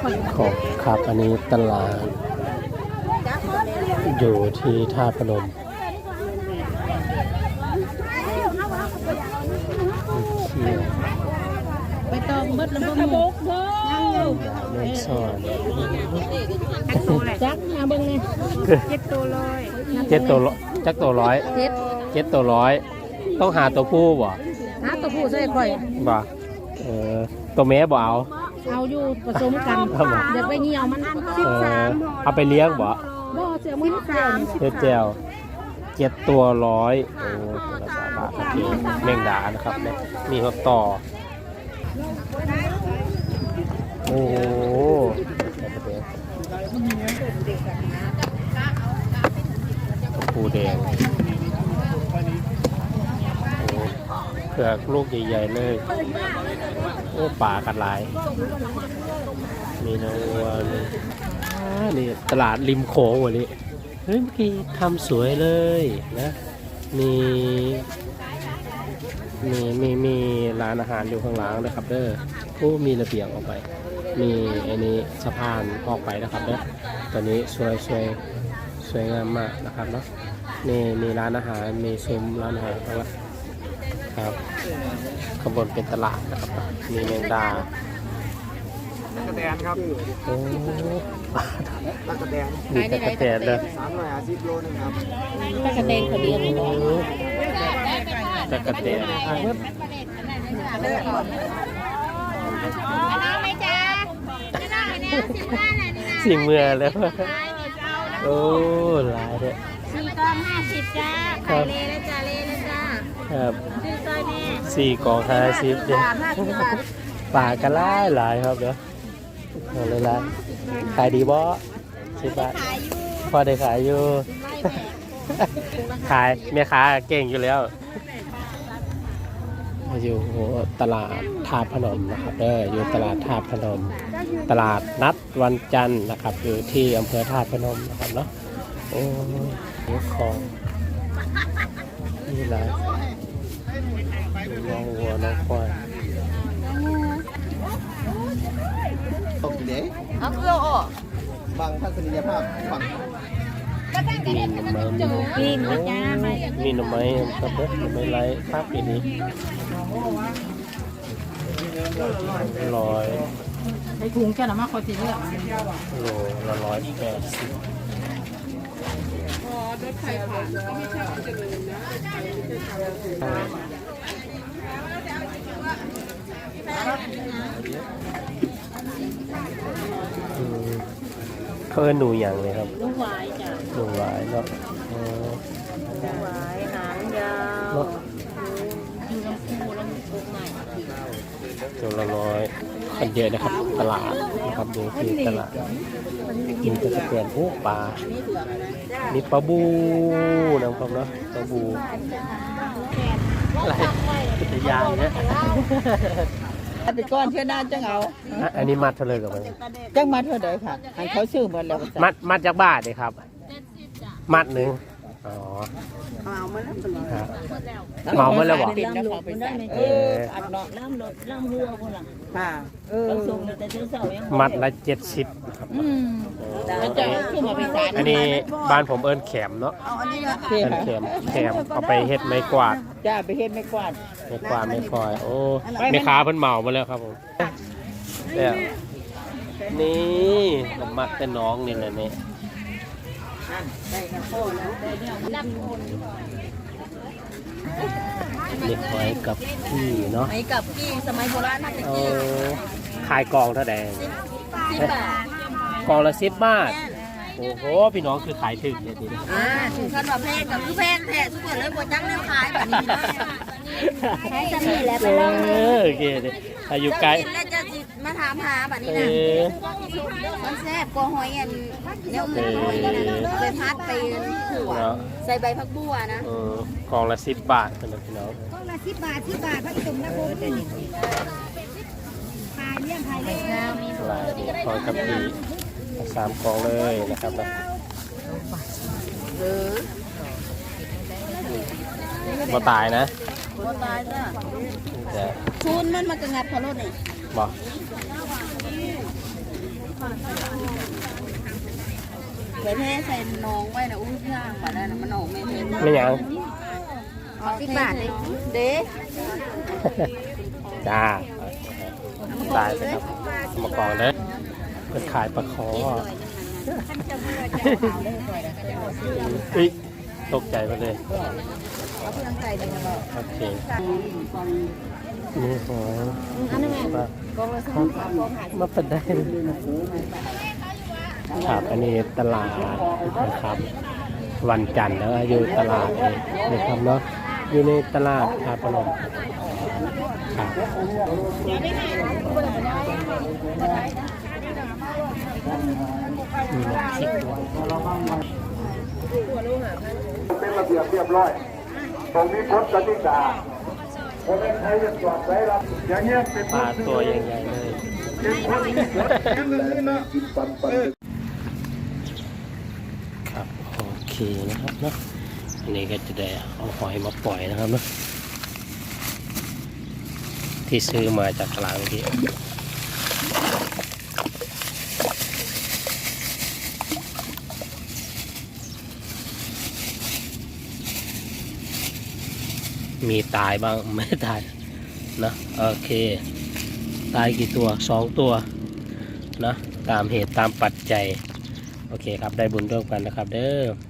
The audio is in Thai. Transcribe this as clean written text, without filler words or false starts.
ของครับอันนี้ตลาดอยู่ที่ท่าพนมไปตองเบิดแล้วก็มุกเด้อแม่ซ่อนจักมาเบิ่งเลย7ตัวเลยเจ็ดตัวจักตัวร้อยเจ็ดตัวร้อยต้องหาตัวผู้บ่หาตัวผู้ใส่ข่อยบ่ตัวแม่บ่เอาเอาอยู่ผสมกันเดี๋ยวไปเหี่ยวมันเอาไปเลี้ยงบ่บ่เสียมื้อ13 เฮ็ดแจวเจ็ดตัวร้อยโอ้ตัวละ3 บาทครับพี่แมงดานะครับเนี่ยมีหัวต่อโอ้โหปูแดงโอ้เผือกลูกใหญ่ๆเลยโอ้ป่ากันหลายมีนวัวนี่ตลาดริมโขงวันนี้เฮ้ยเมื่อกี้ทำสวยเลยนะมีร้านอาหารอยู่ข้างหลังนะครับเด้อโอ้มีระเบียงออกไปมีอันนี้สะพานออกไปนะครับเด้อตอนนี้สวยงามมากนะครับเนาะนี่มีร้านอาหารมีซุ้มร้านอาหารแล้วครับข้างบนเป็นตลาดนะครับมีแมงดาตะกะแตนครับโอ้ตะกะแตนมีตะกะแตนเลย 350 โลนึงครับตะกะแตนเขาเลี้ยงบ่ตะกะแตนสิงเมื่อแล้วโอ้หลายเลย 4 กล่อง 50จ้าไข่เลแล้วจ้าเลแล้วจ้าครับซื้อซอยแม่ 4 กล่อง 50เนี่ยป่ากระหลายครับเดี๋ยวเอาเลยละขายดีบ่10 บาทพอได้ขายอยู่ขายแม่ค้าเก่งอยู่แล้วอยู่ตลาดท่าพนมนะครับอยู่ตลาดท่าพนมตลาดนัดวันจันทร์นะครับอยู่ที่อำเภอท่าพนมนะครับเนาะโอ้ยของนี่แหละน้องวัวน้องควายตกเด้เอาเกลือออกบางทัศนียภาพฝั่งมีหน่อไม้มีหน่อไม้ครับหน่อไม้ไร้ภาพปีนี้100 ใส่ถุงแค่นั้นมาคอยสิเลือกโลละ180เขาเอิ้นหนูอย่างเลยครับลูกหวายจ้ะหนูหวายเนาะลูกหวายหางยาวอยู่ลำพูแล้วมีปุ๊กใหม่ตัวละ100คนเยอะนะครับตลาดนะครับดูที่ตลาดกินก็จะเปลี่ยนโอ้ปลามีปลาบูนะครับเนาะปลาบูอะไรกิจยานเนี่ยไปก้อนเท่านั้นจังเอาอันนี้มัดเท่าเลยกับมันจังมัดเท่าใดค่ะให้เขาซื้อหมดแล้วมัดจากบาทเลยครับมัดหนึ่งอ๋อเมามาแล้วเมามาแล้วบอกอัดเนาะล่ำหัวคนละค่ะมัดละ70ครับอันนี้บ้านผมเอิ้นแขมเนาะแขมเอาไปเฮ็ดไม้กวาดจ้าไปเฮ็ดไม้กวาดไม่คอยโอ้แม่ค้าเพิ่นเมามาแล้วครับผมเนี่ยนี่ผมมักแต่น้องนี่แหละนี่เด็กไว้กับพี่เนาะไว้กับพี่สมัยโบราณน่าจะกี้ขายกองเท่าใดกองละ10 บาทโอ้โหพี่น้องคือขายถึงเนี่ยทีนี้ถึงขั้นว่าแพงกับคือแพงแท้ทุกคนเลยบ่จังแนวขายแบบนี้นะใช้จะมีแล้วไปลองโอเคเลยอายุไกลแล้วจะมาถามหาแบบนี้นะมันแซ่บกว่าหอยอันเนื้ออื่นไปพัดไปขั่วใส่ใบผักบัวนะกองละ10 บาทสำหรับพี่น้องกองละ10 บาทพักตุ่มนะโบพายเลี้ยงพายเลี้ยงมีหลายคอยกับพี่3 กองเลยนะครับนะบ่ตายนะบ่ตายจ้ะชุนมันมากระงับพอรถนี่บอกพเดี๋ยวเทใส่น้องไว้นะอุ้ยย่างมาได้นะมันออกไม่เทไม่หยังเอา10 บาทเลยเด้จ้าตายไปครับมากองเด้อเป็นขายปลาคออุ๊ยตกใจไปเลยเอาเพื่อนใส่เลยนะบอกโอเคนี่หอยอันนั้นไงปลากองละ3กองหามาเป็นได้ครับอันนี้ตลาดนะครับ วันจันทร์แล้วอยู่ตลาดเลยนะครับเนาะอยู่ในตลาดครับพนมครับมีน้ำพริกด้วยเป็นระเบียบเรียบร้อยตรงนี้พ้นกติกาเพราะฉะนั้นใครจะจอดไว้รับอย่างเงี้ยเป็นปลาตัวใหญ่ๆเลยเป็นคนที่กดแค่นึงนี่นะครับโอเคนะครับเนาะอันนี้ก็จะได้เอาหอยมาปล่อยนะครับเนาะที่ซื้อมาจากตลาดเมื่อกี้มีตายบ้างไม่ตายนะโอเคตายกี่ตัว2 ตัวนะตามเหตุตามปัจจัยโอเคครับได้บุญร่วมกันนะครับเด้อ